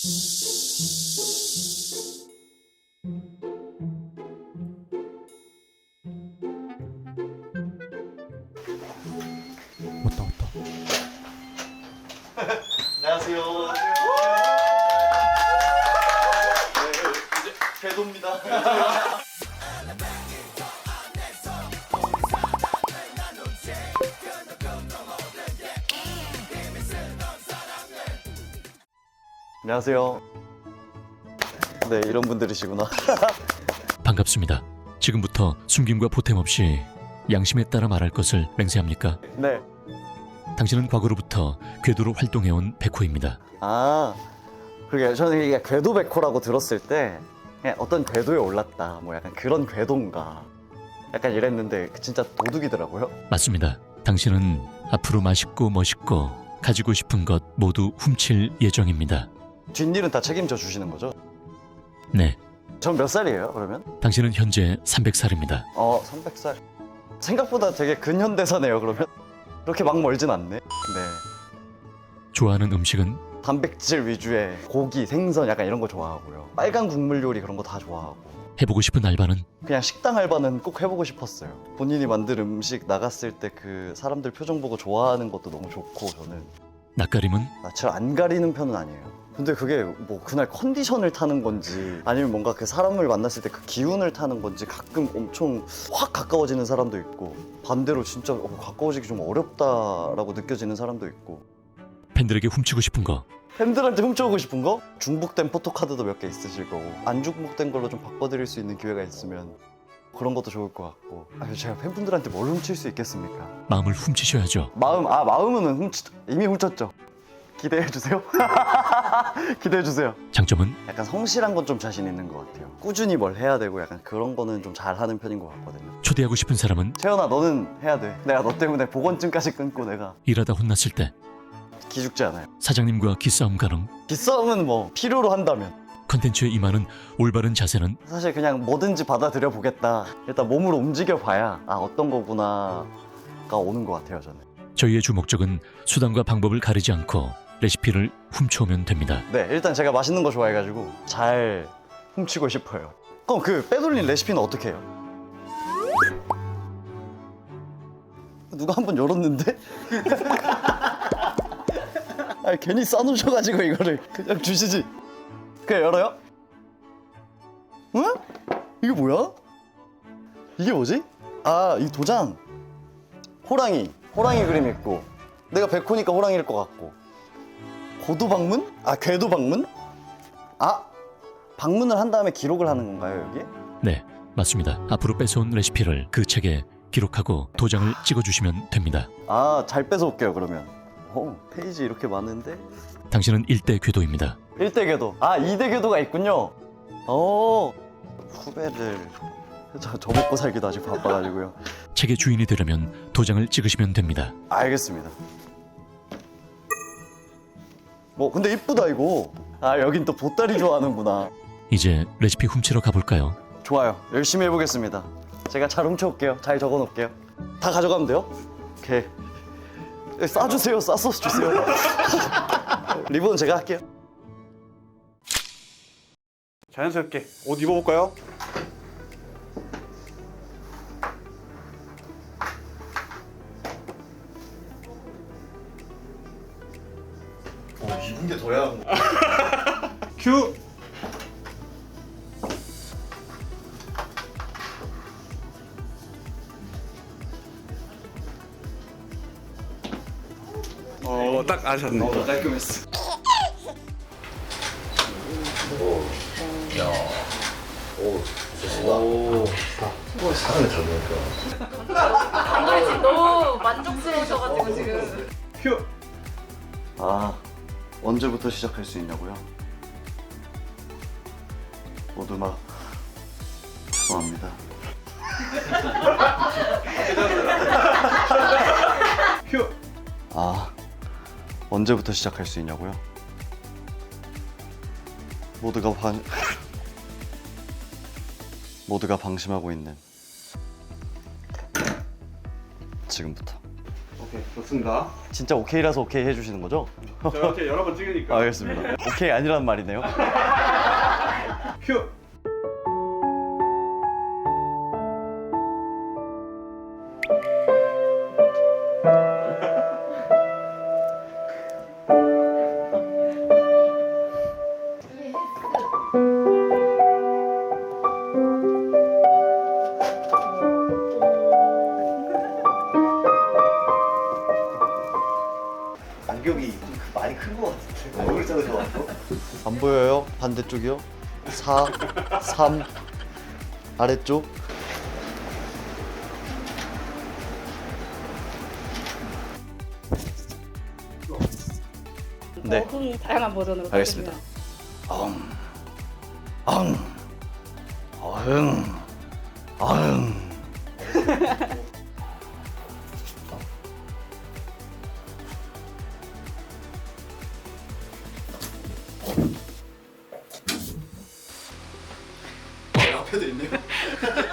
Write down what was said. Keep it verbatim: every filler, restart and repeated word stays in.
왔다 왔다. 안녕하세요. 네, 이제 궤도입니다. 안녕하세요. 네, 이런 분들이시구나. 반갑습니다. 지금부터 숨김과 보탬 없이 양심에 따라 말할 것을 맹세합니까? 네. 당신은 과거로부터 궤도로 활동해온 백호입니다. 아, 그러게 저는 이게 궤도 백호라고 들었을 때 그냥 어떤 궤도에 올랐다, 뭐 약간 그런 궤도인가, 약간 이랬는데 진짜 도둑이더라고요. 맞습니다. 당신은 앞으로 맛있고 멋있고 가지고 싶은 것 모두 훔칠 예정입니다. 뒷일은 다 책임져 주시는 거죠? 네, 전 몇 살이에요, 그러면? 당신은 현재 삼백 살입니다. 어, 삼백 살. 생각보다 되게 근현대사네요, 그러면. 그렇게 막 멀진 않네. 네. 좋아하는 음식은 단백질 위주의 고기, 생선 약간 이런 거 좋아하고요. 빨간 국물 요리 그런 거 다 좋아하고. 해보고 싶은 알바는 그냥 식당 알바는 꼭 해보고 싶었어요. 본인이 만든 음식 나갔을 때 그 사람들 표정 보고 좋아하는 것도 너무 좋고, 저는 낯가림은 낯을 안 가리는 편은 아니에요. 근데 그게 뭐 그날 컨디션을 타는 건지 아니면 뭔가 그 사람을 만났을 때 그 기운을 타는 건지 가끔 엄청 확 가까워지는 사람도 있고, 반대로 진짜 어, 가까워지기 좀 어렵다라고 느껴지는 사람도 있고. 팬들에게 훔치고 싶은 거 팬들한테 훔쳐오고 싶은 거? 중복된 포토카드도 몇 개 있으실 거고, 안 중복된 걸로 좀 바꿔드릴 수 있는 기회가 있으면 그런 것도 좋을 것 같고. 아, 제가 팬분들한테 뭘 훔칠 수 있겠습니까? 마음을 훔치셔야죠. 마음, 아 마음은 훔치, 이미 훔쳤죠. 기대해주세요. 기대해주세요. 장점은 약간 성실한 건 좀 자신 있는 것 같아요. 꾸준히 뭘 해야 되고 약간 그런 거는 좀 잘하는 편인 것 같거든요. 초대하고 싶은 사람은 채연아, 너는 해야 돼. 내가 너 때문에 보건증까지 끊고 내가 일하다 혼났을 때 기죽지 않아요. 사장님과 기싸움 가능. 기싸움은 뭐 필요로 한다면. 컨텐츠에 임하는 올바른 자세는 사실 그냥 뭐든지 받아들여 보겠다. 일단 몸으로 움직여 봐야 아 어떤 거구나가 오는 것 같아요, 저는. 저희의 주 목적은 수단과 방법을 가리지 않고 레시피를 훔쳐오면 됩니다. 네, 일단 제가 맛있는 거 좋아해가지고 잘 훔치고 싶어요. 그럼 그 빼돌린 레시피는 어떻게 해요? 누가 한번 열었는데? 아, 괜히 싸놓으셔가지고 이거를 그냥 주시지. 그냥 열어요? 응? 이게 뭐야? 이게 뭐지? 아, 이 도장. 호랑이. 호랑이 그림 있고, 내가 백호니까 호랑이일 것 같고. 고도 방문? 아, 궤도 방문? 아, 방문을 한 다음에 기록을 하는 건가요, 여기? 네, 맞습니다. 앞으로 뺏어온 레시피를 그 책에 기록하고 도장을 찍어주시면 됩니다. 아, 잘 뺏어올게요, 그러면. 어, 페이지 이렇게 많은데? 당신은 일대 궤도입니다. 일 대 궤도. 아, 이 대 궤도가 있군요. 어, 후배를. 저, 저 먹고 살기도 아직 바빠가지고요. 책의 주인이 되려면 도장을 찍으시면 됩니다. 알겠습니다. 뭐, 근데 이쁘다, 이거. 아, 여긴 또 보따리 좋아하는구나. 이제 레시피 훔치러 가볼까요? 좋아요. 열심히 해보겠습니다. 제가 잘 훔쳐올게요. 잘 적어놓을게요. 다 가져가면 돼요? 오케이. 싸주세요. 싸서 주세요. 리본은 제가 할게요. 자연스럽게 옷 입어볼까요? 어, 입은 게 더 야한 거. 큐! 어, 딱 아셨네. 어, 깔끔했어. 아무리 지금 너무 만족스러우셔가지고 지금. 큐! 아, 언제부터 시작할 수 있냐고요? 모두마 죄송합니다. 큐! 아, 언제부터 시작할 수 있냐고요? 모두가 방 모두가 방심하고 있는 지금부터. 오케이, 좋습니다. 진짜 오케이라서 오케이 해주시는 거죠? 저 이렇게 여러 번 찍으니까. 알겠습니다. 오케이 아니란 말이네요. 큐. 간격이 좀 많이 큰 것 같은데 얼굴 작으셔가지고. 안 보여요? 반대쪽이요? 사, 삼, 아래쪽. 네. 어흥 다양한 버전으로 알겠습니다. 엉, 엉, 어흥, 어흥. 앞에도 있네요.